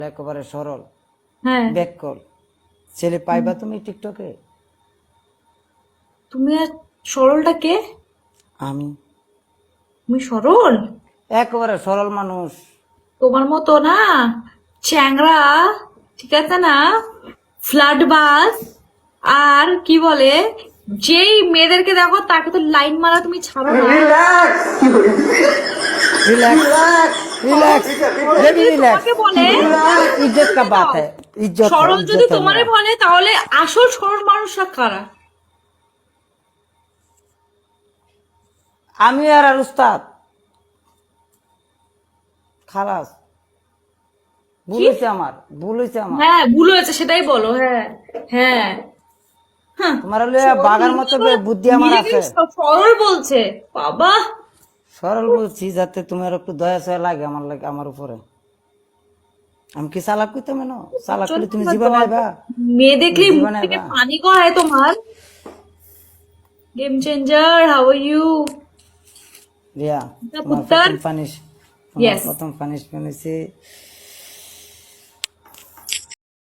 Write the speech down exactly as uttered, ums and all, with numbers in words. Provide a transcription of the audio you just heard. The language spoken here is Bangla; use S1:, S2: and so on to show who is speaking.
S1: একেবারে সরল
S2: হ্যাঁ
S1: ব্যাক কল ছেলে পাইবা তুমি টিকটকে?
S2: তুমি আর সরলটা কে?
S1: আমি
S2: তুমি সরল?
S1: একেবারে সরল মানুষ।
S2: তোমার মতো না চ্যাংড়া, ঠিক আছে না, ফ্লাড বাস আর কি বলে, যেই মেয়েদেরকে দেখো তাকে তো লাইন মারা তুমি ছাড়ো না।
S1: रिलैक्स रिलैक्स
S2: সরল
S1: बेबी
S2: যদি
S1: रिलैक्स
S2: তোমাকে বলে
S1: इज्जत का बात
S2: দাও।
S1: है, इज्जत है,
S2: সরল যদি
S1: इज्जत है
S2: তোমারে
S1: मेरा।
S2: বলে তাহলে আসল সরল মানুষরা কারা?
S1: আমি আর আর উস্তাদ খালাস ভুল
S2: কি?
S1: হয়েছে আমার, ভুল হয়েছে আমার।
S2: হ্যাঁ ভুল হয়েছে সেটাই বলো। হ্যাঁ হ্যাঁ হ্যাঁ।
S1: তোমার হলে
S2: সরল
S1: বাগার মতো
S2: নিজেকে বলে-
S1: বুদ্ধি আমার
S2: নিজেকে
S1: আছে।
S2: স- সরল বলছে বাবা।
S1: সরল বলছি যাতে তোমার একটু দয়া সয়া লাগে আমার লাগে আমার উপরে। আমি কি চালাক করতাম না? চালাক করলে তুমি
S2: প্রচন্ড
S1: জীবনে
S2: দরদ।
S1: আইবা,
S2: মেয়ে
S1: তুমি
S2: দেখলেই মুখ
S1: জীবনে
S2: থেকে
S1: আইবা।
S2: পানি গড়ায় তোমার। Game changer, how are you?
S1: Riya, তোমার
S2: পুত্তর।
S1: প্রথম পানিশ তোমার
S2: ইয়েস।
S1: প্রথম পানিশমেন্ট হয়েছে